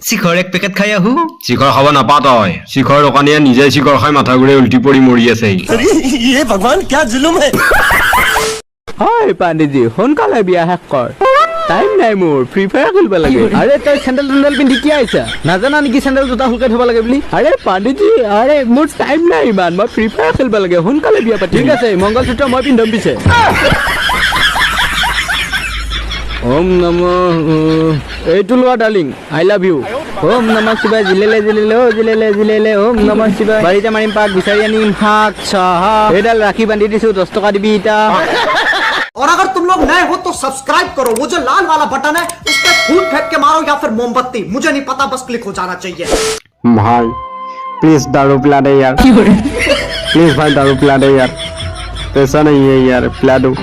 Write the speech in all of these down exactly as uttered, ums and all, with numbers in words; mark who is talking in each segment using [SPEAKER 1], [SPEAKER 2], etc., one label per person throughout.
[SPEAKER 1] শিখৰ এক পেকেট খাই আহো
[SPEAKER 2] শিখৰ খাব নাপা তই শিখৰ দোকানীয়ে নিজে শিখৰ খাই মাথা ঘূৰাই উল্টি পৰি মৰি আছে
[SPEAKER 3] ये भगवान क्या जुलुम है
[SPEAKER 4] হয় পাণ্ডিতজি সোনকালে বিয়া শেষ কৰ টাইম নাই মোৰ ফ্ৰী ফায়াৰ খেলিব লাগে আৰে তই চেণ্ডেল চেণ্ডেল পিন্ধি কি আহিছা নাজানা নেকি চেণ্ডেল জোতা শুকাই থব লাগে বুলি আৰে পাণ্ডিতজি আৰে মোৰ টাইম নাই ইমান মই ফ্ৰী ফায়াৰ খেলিব লাগে সোনকালে বিয়া পাতি ঠিক আছে মংগলসূত্ৰ মই পিন্ধম পিছে ওম নমঃ এইটো লোৱা ডাৰ্লিং আই লাভ ইউ ওম নমঃ শিৱায় জিলেলে জিলেলে ও জিলেলে জিলেলে ওম নমঃ শিৱায় বাৰীতে মাৰিম পাক বিচাৰি আনিম শাক চাহ এইডাল ৰাখি বান্ধি দিছো দহ টকা দিবি ইটা
[SPEAKER 5] और अगर तुम लोग नए हो तो सब्सक्राइब करो वो जो लाल वाला बटन है उस पर फूट फेंक के मारो या फिर मोमबत्ती मुझे नहीं पता बस क्लिक हो जाना चाहिए
[SPEAKER 4] भाई प्लीज दारू पिला दे यार प्लीज भाई दारू पिला दे यार पैसा नहीं है यार पिला दो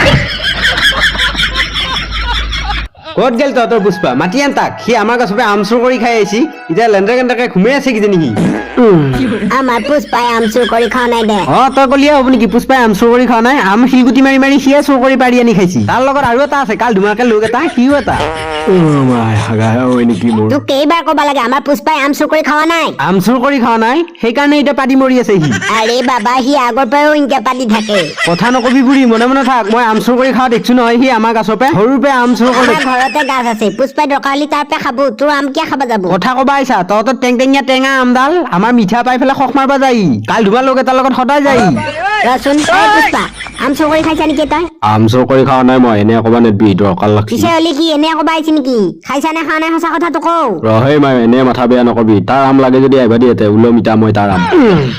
[SPEAKER 4] ক'ত গেল তহঁতৰ পুষ্পা মাতি আন তাক সি আমাৰ গছপে আম চুৰ কৰি খাই আহিছি এতিয়া লেণ্ডাৰ কেণ্ডাৰকে ঘুমাই আছে কিজানি সি
[SPEAKER 6] আমার পুষ্পায় আম চুর করে খাওয়া নাই দে
[SPEAKER 4] অ তই কলিয়া হ'ব নেকি পুষ্পাই আম চুৰ কৰি খোৱা নাই আম শিলগুটি মাৰি মাৰি সিয়ে চুৰ কৰি পাৰি আনি খাইছি তাৰ লগত আৰু এটা আছে কাল ধুমাকে লোক এটা সিও এটা
[SPEAKER 6] তোক কেইবাৰ কবা লাগে আমার পুষ্পায় আম চুর করে খাওয়া নাই
[SPEAKER 4] আম চুৰ কৰি খোৱা নাই সেইকাৰণে এতিয়া পাতি মৰি আছে সি
[SPEAKER 6] আরে বাবা সি আগৰ পৰাও ইনকে পাতি থাকে
[SPEAKER 4] কথা নকবি বুঢ়ী মনে মনে থাক মই আম চুৰ কৰি খাওয়া দেখছো নহয় সি আমাৰ গছপে সৰুৰ পৰা আম চুৰ কৰি
[SPEAKER 6] আমার ঘৰতে গাছ আছে পুষ্পাই দৰকাৰ হলে তাৰ পৰা খাব তোৰ আম কিয় খাব যাব
[SPEAKER 4] কথা কবা আহিছা তহঁতৰ টেং টেঙীয়া টেঙা আমডাল আমাৰ মিঠা পাই পেলাই খখ মাৰবা যাই কাল ধুমা লোক এটাৰ লগত সদায় যাই
[SPEAKER 6] ৰচোন এই পুষ্পা আম চুৰ কৰি খাইছা নেকি তই
[SPEAKER 2] আম চুৰ কৰি খাৱা নাই মই এনে অকমান নেদবি দৰকাৰ লাগছি
[SPEAKER 6] পিছে হলি কি এনে কবা আহিছে নেকি খাইছা নে খোৱা নাই সঁচা কথাটো কও
[SPEAKER 2] ৰহে মই এনে মাথা বেয়া নকবি তাৰ আম লাগে যদি আহিবা দিয়েতে উলম ইটা মই তাৰ আম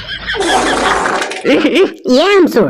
[SPEAKER 6] ইয়ে আম চুৰ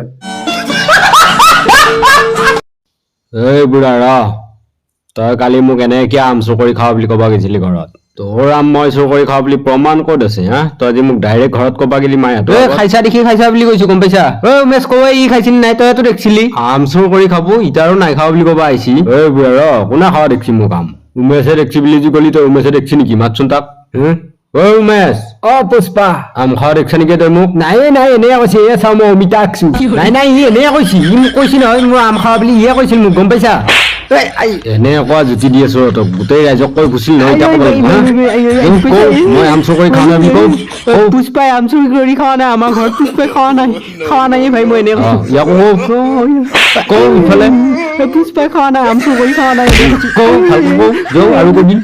[SPEAKER 2] এই বুঢ়া ৰ তই কালি মোক এনে কিয় আম চুৰ কৰি খাৱা বুলি কবা গৈছিলি ঘৰত তোৰ আম মই চুৰ কৰি খাওঁ বুলি প্ৰমাণ ক'ত আছে হা তই আজি মোক ডাইৰেক্ট ঘৰত কবা গেলি মায়ে
[SPEAKER 4] তই খাইছা দেখি খাইছা বুলি কৈছো গম পাইছা ঐ উমেশ কই ই খাইছিল নাই তইতো দেখছিলি
[SPEAKER 2] আম চুৰ কৰি খাব ইটাৰো নাই খাওঁ বুলি কবা আহিছি এই বুঢ়া ৰ কোনে খাৱা দেখছি মোক আম উমেশে দেখছি বুলি যি কলি তই উমেশে দেখছি নেকি মাতচোন তাক ঐ উমেশ
[SPEAKER 4] অ পুষ্পা
[SPEAKER 2] আম খাৱা দেখছা নেকি তই মোক
[SPEAKER 4] নাই নাই এনে কৈছে এ চাও মই অমিতা আঁকছো নাই নাই ই এনে কৈছি ই মোক কৈছি নহয় মোৰ আম খাৱা বুলি ইয়ে কৈছিল মোক গম পাইছা
[SPEAKER 2] এনে কোৱা জুতি দি আছো তই গোটেই ৰাইজক কৈ গুচিল নহয় এতিয়া ক'ব লাগিব মই আম চুৰ কৰি খাওঁ নাই বুলি কওঁ
[SPEAKER 4] পুষ্পাই আম চুৰ কৰি খাৱা নাই আমাৰ ঘৰত পুষ্পাই খাৱা নাই খাৱা নাই ভাই মই এনে কৈছো
[SPEAKER 2] ইয়াকো কওঁ ইফালে
[SPEAKER 4] পুষ্পাই খাৱা নাই আম চুৰ কৰি খাৱা নাই
[SPEAKER 2] কওঁ ভালকৈ কওঁ যাওঁ আৰু কবি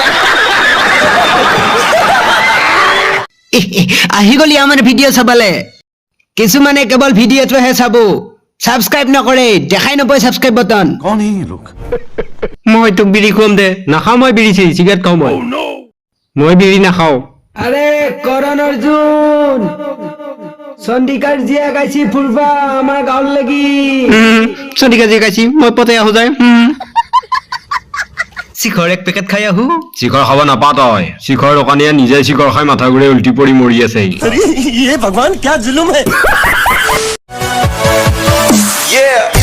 [SPEAKER 4] আহি গলি আমাৰ ভিডিঅ' চাবলে কিছুমানে কেৱল ভিডিঅ'টোহে চাব সাবস্ক্রাইব নকৰে দেখাই নপয় সাবস্ক্রাইব বাটন
[SPEAKER 3] कौन है ये लोग
[SPEAKER 4] মই তোক বিড়ি খুৱাম দে নাখাওঁ মই বিড়ি চিগাৰেট খাওঁ মই মই বিড়ি নাখাওঁ আৰে কৰণ অৰ্জুন চন্দিকাৰ জিয়া গাইছি ফুৰবা আমাৰ গাঁৱৰ লাগি চন্দিকাৰ জিয়া গাইছি মই পতে আহো যায়
[SPEAKER 1] শিখৰ এক পেকেট খাই আহো
[SPEAKER 2] শিখৰ খাব নাপা তই শিখৰ দোকানীয়ে নিজে শিখৰ খাই মাথা ঘূৰাই উল্টি পৰি মৰি আছে
[SPEAKER 3] ये भगवान क्या जुलुम है
[SPEAKER 5] yeah